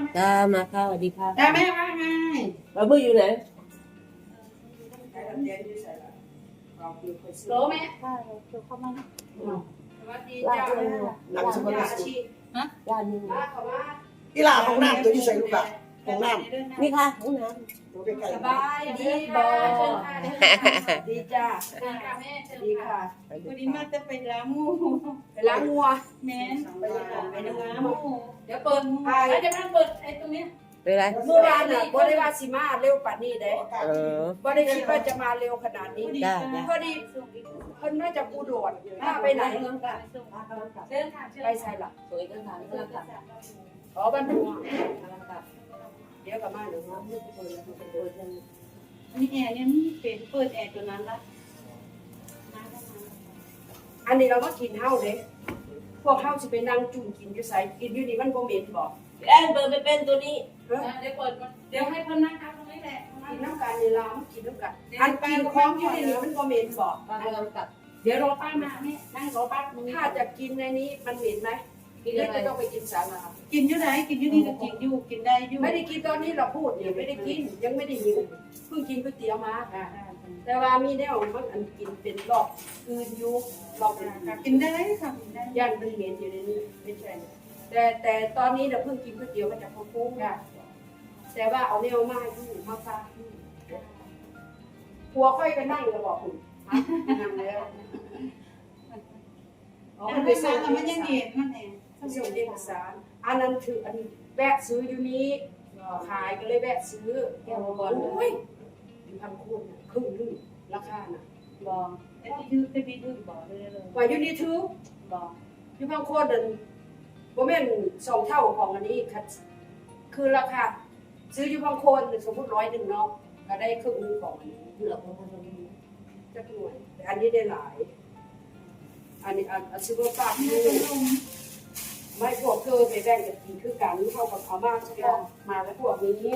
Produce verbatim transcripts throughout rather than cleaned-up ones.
จ้ามาค่ะสวัสดีค่ะแต่แม่ว่าไงบาร์บี้อยู่ไหนโหลแม่ค่ะเดี๋ยวเข้ามาสวัสดีจ้าหนังสมบัติชีย่านนี้มาขอมากีฬาของน้ำตัวที่ใส่ลูกอะของน้ำนี่ค่ะห้องน้ตัวใกล้สบายดีบอดีจ้าดีค่ะวันนี้มาจะไปล้างมูไปล้างงัวแม่นไปล้างมูเดี๋ยวเปิดแล้วจะนั่งเปิดไอ้ตรงนี้ำเป็นไรเมื่อวานน่ะบ่ได้ว่าสิมาเร็วป่านนี้เด้เออบ่ได้คิดว่าจะมาเร็วขนาดนี้ได้ได้พอดีเพิ่นน่าจะปูโดดถ้าไปไหนไปใส่ล่ะสวยกันค่ะนี่กำลังกลับอ๋อบ้านหัวกำลังกลับเดี๋ยวกลับมาเดี๋ยวมาอันนี้แอร์เนี่ยมีเป็นเปิดแอร์ตัวนั้นละอันนี้เราก็กินเฮาเด้พวกเฮาสิไปนั่งจุ่มกินอยู่ไสกินอยู่นี่มันบ่เหม็นบ่แอนเปิดไปเป็นตัวนี้เฮ้ยเดี๋ยวเปิดเดี๋ยวให้เพิ่นนั่งทับตรงนี้แหละกินน้ำกันนี่ล่ะมันกินน้ำกันอันกินของอยู่ในนี้มันบ่เหม็นบ่กำลังกลับเดี๋ยวรอป้ามาแม่นั่งรอป้าถ้าจะกินในนี้มันเหม็นไหมกินหรืออะไรจะต้องไปกินศาลากินอยู่ไหนกินอยู่นี่ก็กินอยู่กินได้อยู่ไม่ได้กินตอนนี้เราพูดนี่ไม่ได้กินยังไม่ได้หิวเพิ่งกินก๋วยเตี๋ยวมาแต่ว่ามีแนวมันอันกินเป็นรอบคืนอยู่รอบเป็นกินได้ค่ะกินได้ย่านมันเหม็นอยู่ในนี้ไม่ใช่แต่แต่ตอนนี้เราเพิ่งกินก๋วยเตี๋ยวมาจากพ่อคุ้งแต่ว่าเอาแนวมาอยู่มาฟ้าหัวค่อยก็นั่งแล้วบอกคุณนั่งแล้วอ๋อแต่มันไปไปสั่ส่งงมันยังเย็นมันเองส่งเอกสารอันนั้นคืออันแวะซื้ออยู่นี้ขายก็เลยแวะซื้อแก้วบอลโอ้ยพันคูณครึ่งนึงราคาน่ะบอกแต่ที่ถือแต่พี่ถือบอกเลยเลยว่าอยู่นี่ถือบอกอยู่บางคนนั่นบ่แม่นสองเท่าของอันนี้ค่ะคือราคาซื้ออยู่บางคนสมมุติร้อยหนึ่งเนาะก็ได้ครึ่งนึงของอันนี้เหลือประมาณนี้จักหน่วยแต่อันนี้ได้หลาย อันนี้อันอันซื้อว่าปากนี่ไม่พวกเธอไปแบ่งกันกินคือกันเท่ากับเขามากเฉพาะมาแล้วพวกนี้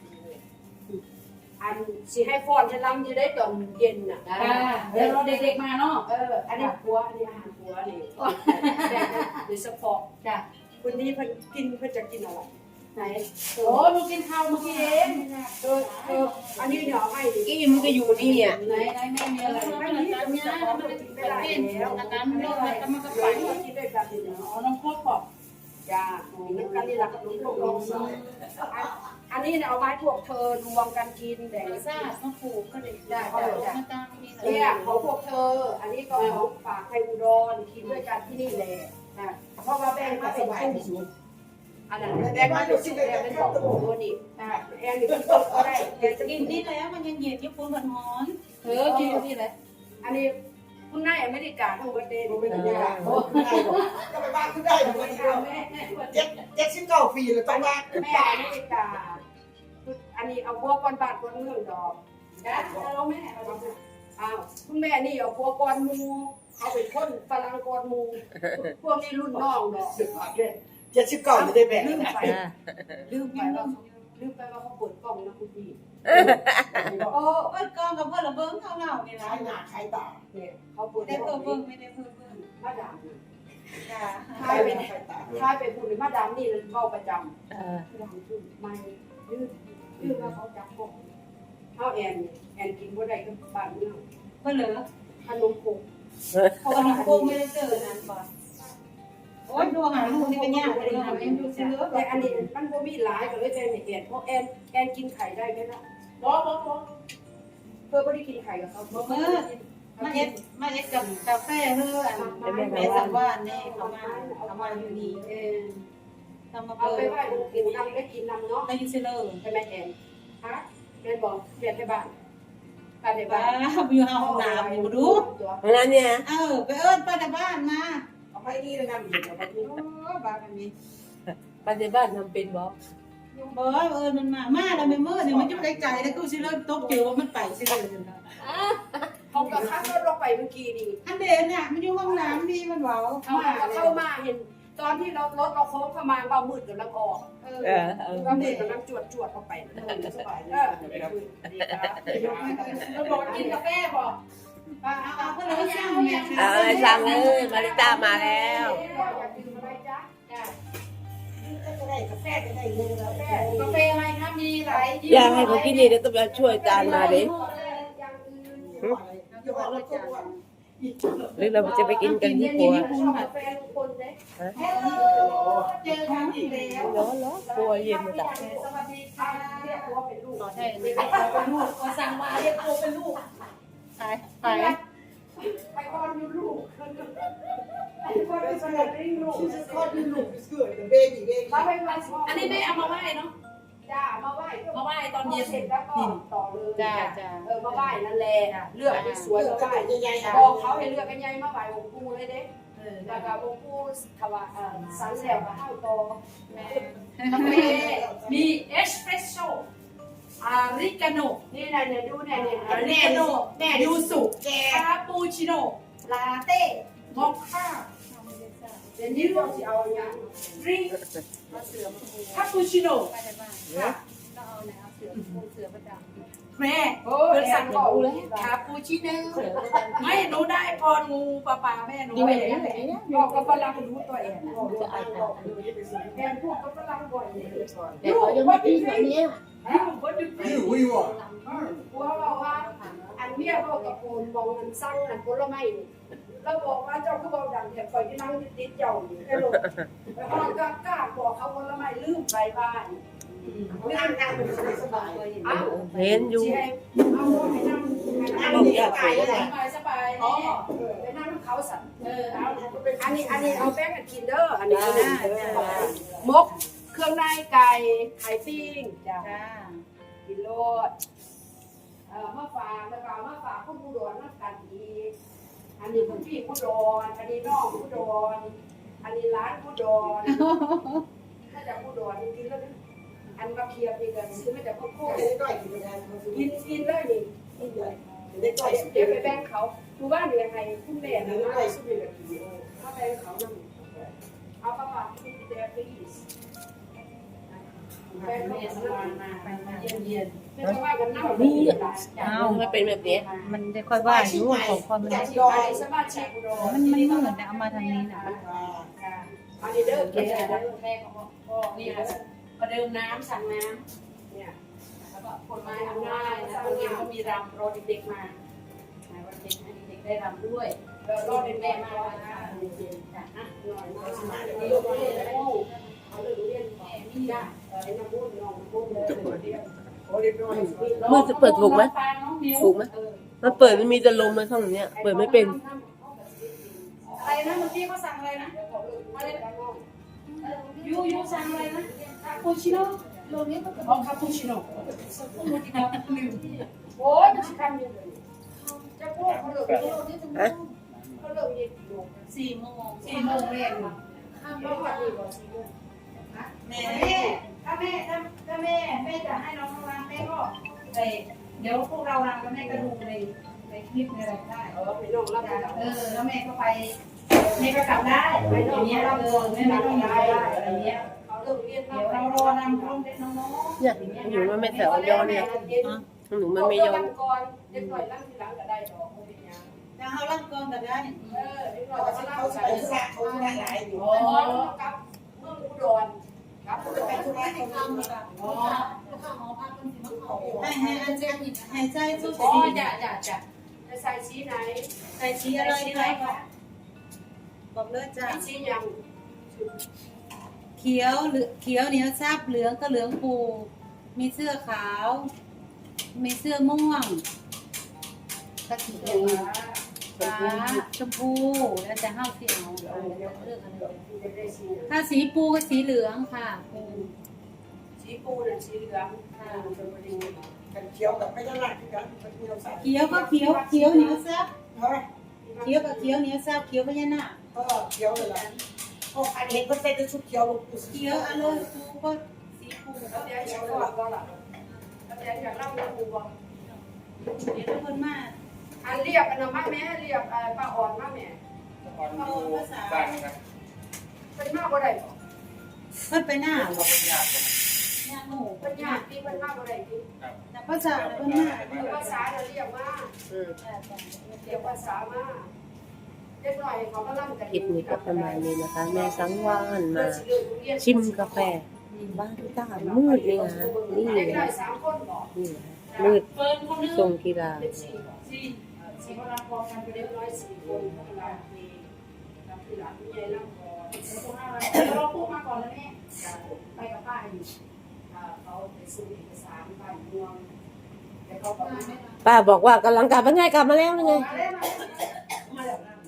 อันสิให้ฟอนให้ล้ำจะได้ตอนเย็นน่ะเดี๋ยวรอเด็กๆมาเนาะเอออันนี้ครัวอันนี้อาหารครัวนี่แบ่งโดยเฉพาะจ้ะคนนี้เพิ่นกินเพิ่นจะกินอะไรไหนโอ้หนูกินข้าวเมื่อกี้เองเออเอออันนี้เดี๋ยวให้ดิกี้มันก็อยู่นี่อ่ะไหนไหนแม่มีอะไรไม่มีอะไรเนี่ยมันกินไม่ได้แล้วอันนั้นเรื่องอะไรก็มันก็ไปไปกินด้วยกันนี่อ๋อน้องโคตรบอกจ้าน้ำกันนี่หลักลูกลงอันนี้เนี่ยเอาไม้พวกเธอรวมกันกินแบ่งซ่าต้องปลูกก็ได้ได้ได้ได้มาตั้งนี่เนี่ยของพวกเธอ อันนี้ก็ของฝากไทยอุดรกินด้วยกันที่นี่แหละนะเพราะว่าแบ่งมาเป็นคู่อันนั้นแบ่งมาเป็นคู่แบ่งเป็นสองตัวนี่แอนนี่กินสดก็ได้แอนจะกิกินนนี่นี่แล้วมันยังเย็นญี่ปุ่นมันร้อนเออกินนี่แหละอันนี้คุณนายอเมริกาทั้งประเทศๆไม่ได้ยากก็ไปบ้านก็ได้แต่ไม่ได้เจ็ดเจ็ดสิบเก้าปีเลยต้องบ้านแม่อเมริกาอันนี้เอาพวกก้อนบาทก้อนเมืองดอกนะแล้วแม่อ้าวคุณแม่นี่เอาพวกก้อนมูเอาเป็นคนฝรั่งก้อนมูพวกนี้รุ่นน้องดอกเจ็ดสิบเก้าไม่ได้แบ่งลืมไปลืมไปว่าลืมไปว่าเขาเปิดกล้องนะคุณพี่โอ้เปิดกล้องกับเพื่อนระเบิ้งเท่าเราเนี่ยใช้นะหน้าใช้ตาเนี่ยเขาเปิดได้กเพิ่ล้อมงเพิ่มไม่ได้เพิ่มเพิ่มมาดามจ้าใช้หน้าใช้ตาถ้าไปพูดมาดามนี่เบ้าประจเออำดังขึ้นไม่ยืดยืดว่าเขาจับพวกเขาแอนแอนกินบ่ได้ก็บ้านเมืองเพื่อนเหลือขนมโคกเพราะว่าน้องโก้ไม่ได้เจอนานก่อนโอ้ยดูหาลูกนี่เป็นยากเลยหาไม่ดูซื้อแต่อันนี้มันบ่มีหลายก็เลยแทนให้แอนเพราะแอนแอนกินไข่ได้ไหมล่ะบ่บ่บ่เพื่อบ่ได้กินไข่กับเขาเออมาเอ็ดมาเอ็ดกับกาแฟเฮ้ออันแม่สังวานนี่เขามาเขามาอยู่นี่เออทำมาเอาเปิไปดไหว้องค์กินน้ำได้กินน้ำเนาะได้ยินเสียเลยใช่ไหมแอนฮะแอนบอกเปลี่ยนไปบ้านไปในบ้าบ้านอยู่ห้องน้ำอยู่ดูเพราะนั้นเนี่ยเออไปเอิ้นป้าในบ้านมาเอาไปนี่เลยนะมีเอาไปนี่โอ้บ้ากันนี้ปฏิบัติทำเป็นบอบอกว่าเอิญมันมา มาแล้วไม่เมื่อเนี่ยมันจะได้ใจแล้วกูสิเริ่มตกเกี่ยวว่ามันไปสิเลยเขาก็ข้ามรถลงไปเมื่อกี้นี่อันเดนเนี่ยมันอยู่ห้องน้ำนี่มันเบาเขาเข้ามาเห็น ตอนที่เรารถเราโค้งเข้ามาเบามืดกำลังออกเออเออเออเบามืดกำลังจวดจวดเข้าไปสบายเออเราบอกกินกาแฟบอกเอาเอาเพื่อนเราช่างเนี่ยเอาอะไรสั่งเลยมาริต้ามาแล้วอยากดื่มอะไรจ๊ะจ้ะได้กาแฟก็ได้เงินแล้วแม่กาแฟอะไรคะมีหลายอยากให้เขากินนี่เดี๋ยวต้องไปช่วยจานมาดิอย่างอื่นอยู่ว่าเราต้องว่าหรือเราจะไปกินกันที่ครัวกาแฟลุงพลเด้ฮัลโหลเจอกันอีกแล้วร้อนร้อนครัวเย็นมาจากสวัสดีค่ะเรียกตัวเป็นลูกใช่เรียกตัวเป็นลูกก็สั่งมาเรียกตัวเป็นลูกขายขายไปคอนอยู่ลูกไปคอนเป็นสลัดริ่งลูกชีสคอดเป็นลูกเกิดเบบี้เบบี้มาไปมาอันนี้แม่เอามาไหว้เนาะจ้ามาไหว้มาไหว้ตอนเย็นเสร็จแล้วก็ต่อเลยจ้าจ้าเออมาไหว้นั่นแหละเลือกที่สวยเกิมาดไหว้ใหญ่ๆบอกเขาให้เลือกกันใหญ่มาไหว้องค์ปู่เลยเด้เออแล้วก็องค์ปู่ถวายเอ่อสันแล้วก็ห้าวต่อแม่กาแฟมีเอสเปรสโซ่อาริกาโน่นี่นะเนี่ยดูเนี่ยเนี่ยอาริกาโน่แม่ยูสุแกคาปูชิโน่ลาเต้มอคค่าเดี๋ยวนี้เราจะเอาอย่างดริงมาเสือมาปูคาปูชิโน่ค่ะก็เอาเนี่ยเอาเสือปูเสือประจำแม่โอ้เพิ่ยนสั่สั่งงบบ ออก กเลเลย ยคาปูชิโน่ไม่หนูได้พรงูปลาปลาแม่หนูกินไปไปไหนไหนเนี่ยบอกกับฝรั่งรู้ตัวเองจะอายเขาแอนพูดกับฝรั่งบ่อยเลยแต่เขายังไม่กินแบบนี้ยูวัดดูนี่หุยว่ะกลัวบอกว่าอันเมียบอกกับโอนมองอันสั่งอันผลไม้แล้วบอกว่าเจ้าก็บอกดังแต่คอยที่นั่งติดเจ้าอยู่แค่ลงแล้วก็กล้าบอกเขาผลไม้ลืมไปบ้านงานงานมันสบายอ้าวเห็นอยู่เอาให้นั่งให้นั่งบอกอยากไปสเลยบายสบายอ๋อนี่ไปนั่งเขาสั่นเออเอาอันนี้อันนี้เอาแป้งกับกินเด้ออันนี้มกเครื่องในไก่ไข่ปิ้งจ้ะจ้ากินโลดเอ่อมาฝากแล้วก็มาฝากคนผู้ดอนนักกันอีกอันนี้คุณพี่ผู้ดอนอันนี้น้องผู้ดอนอันนี้ร้านผู้ดอนถ้าจะผู้ดอนกินแล้วอันมาเคียบอีกซื้อมาจากพ่อโคตรได้กินได้กินกินเลยนี่ได้ได้เดี๋ยวไปแบ่งเขาดูว่าเดี๋ยวยังไงคุณแม่ได้นะได้สุดเลยเอาแบ่งเขานั่งเอาประมาณที่เดียวพีสแบ่งเขาแม่สนั่บายงมาไปมาเยี่ยมเยียนไม่ต้องว่ากันนั่งนี่เอาไม่เป็นแบบนี้มันจะค่อยว่าอยู่ของความมันจากมันที่ไปสมาชิกผู้ดอนมันเหมือนนะเอามาทางนี้นะอันนี้เด้อแม่แก่แม่ของพ่อนี่ค่ะประเดิมน้ำสั่งน้เนี่ยำแล้วก็ผลไม้อำนาจแล้วก็เย็นก็มีรำรอเด็กๆมาวันเด็กให้เด็กได้รำด้วยเรารอเป็นแม่แม่มามาว่าจ้ะจ้ะหน่อยหน่อยสมาธิเยอะเลยเอาเรื่องเรียนแม่มีจ้ะไอ้น้ำมูดน้องมูดเลยเดียวโอ้เรียบร้อยมือจะเปิดถูกไหม ถูกไหมเออมันเปิดมันมีแต่ลมมาช่องเนี้ย เปิดไม่เป็นอะไรนะเมื่อกี้เขาสั่งอะไรนะอะไรนะยูยูสั่งอะไรนะคาปูชิโน่โลนี้ก็อ๋อคาปูชิโน่ลืมโอ้ยมันชิคำยังเลยจะพูดเขาเลิกฮะเขาเลิกเย็นอยู่สี่โมงสี่โมงเรียนเขาขัดดีกว่าสี่โมงแม่แม่ถ้าแม่ถ้าถ้าแม่แม่จะให้น้องรำแม่ก็ไปเดี๋ยวพวกเรารำแล้วแม่ก็ดูในในคลิปในอะไรได้เออไปน้องรับได้เออแล้วแม่ก็ไปแม่ก็กลับได้ไปอน้อย่างเงี้ยรับเอเงิอน แม่ไม่ไม่ต้ต้ออง งย้าย้าย ยอะอะไร ไรเงี้เงี้ยยเขาเลิกเรียนเดี๋ยวเรารอนำน้องเด็กน้องเนี่ยหนูมันไม่แสวยอเนี่ยหนูมันไม่ยอก่อนเด็กหน่อยร่างทีหลังก็ได้ดอกเขาเป็นยังๆแล้วเขาล่ำกองกันได้เออเด็กหน่อยเขาก็ร่างเขาใส่ไปสระเขาสระหลายอยู่อ๋อกับเมืองอุดรกับอุดรไปทุกที่เขาทำอ๋อให้ให้อันเจให้ใจสู้อ๋อสีจ้ะจ้ะจ้ะจะใส่สีไหนใส่สีอะไรสีดีไหนคะคะบอกเลยจ้ะสียังเขียวหรือเขียวเหนียวซับเหลืองก็เหลืองปูมีเสื้อขาว มีเสื้อม่วงกะทิแดงฟ้าชมพูแล้วแต่ห้าวสีเอาเลือกอะไรถ้าสีปูก็สีเหลืองค่ะปูสีปูน่ะสีเหลืองค่ะชลบุรีกันเขียวกับไม่ได้หนักกันมันมีเราใส่เขียวก็เขียวเขียวเหนียวซับเฮ้ยเขียวกับเขียวเหนียวซับเขียวพญานาคก็เขียวเลยล่ะโอ้อันเห็นก็ใส่ชุดเขียวลงเขียวอะเลยปูก็สีปูแล้วเดี๋ยวอยากเล่าก็ล่ะแล้วเดี๋ยวอยากเล่าเรื่องปูบ่เดี๋ยวทุกคนมาอันเรียกอันนั้นมาแม่เรียกป้าอ่อนมาแม่อ่อนดูบ้านครับเป็นมากบ่ได้บ่เพิ่นไปหน้าเขาเป็นญาติกันหน้าหมูเป็นญาติที่เป็นมากบ่ได้ที่ครับแต่ภาษาเพิ่นหน้าคือภาษาเราเรียกว่าอืมเรียกภาษามาเล็กน้อยเขาก็ร่ำกันคลิปนี้ก็ประมาณนี้นะคะ แม่สังวานมา ชิมกาแฟบ้านทุกท่ามืดเลยนะนี่ได้ได้สามคนบอกนี่มืดเฟิร์นคนนึงทรงกีฬาเป็นสี่บอกสี่สี่คนรับพอกันไปเรียบร้อยสี่คนเวลามีรับที่หลังผู้ใหญ่นั่งก่อนเราพูดมาก่อนแล้วแม่ไปกับป้าอยู่เขาไปซื้อเอกสารบ้านเมืองแต่เขาบอกว่าป้าบอกว่ากำลังกลับมาไงกลับมาแล้วยังไงมาแล้วมาแล้วนั่ง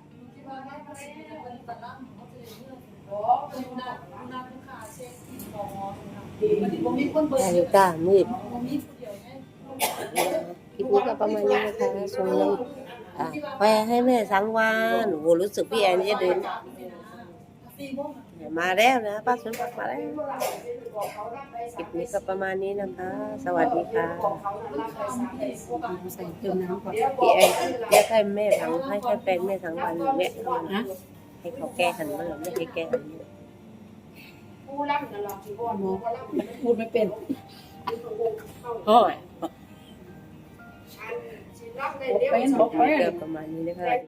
โอ้เป็นหน้านักลูกค้าเช็คของมันผมมีคนเบิกนาฬิกามืดผมมีผู้เดียวไงคลิปนี้ก็ประมาณนี้นะคะส่งน้ำอ่ะไปให้แม่สังวานโอ้โหรู้สึกพี่แอนจะเดินสี่โมงมาแล้วนะป้าสมบัติมาแล้วคลิปนี้ก็ประมาณนี้นะคะ สวัสดีค่ะใส่เติมน้ำก่อนพี่แอนเรียกให้แม่สังให้ให้แฟนแม่สังวันแม่ให้เขาแก้หันมาไม่ให้แก้หันมาผู้รับนั่นหรอกที่ว่าหมอก็รับพูดไม่เป็นโอ้ยรับเลยเดี๋ยวก็ประมาณนี้นะคะ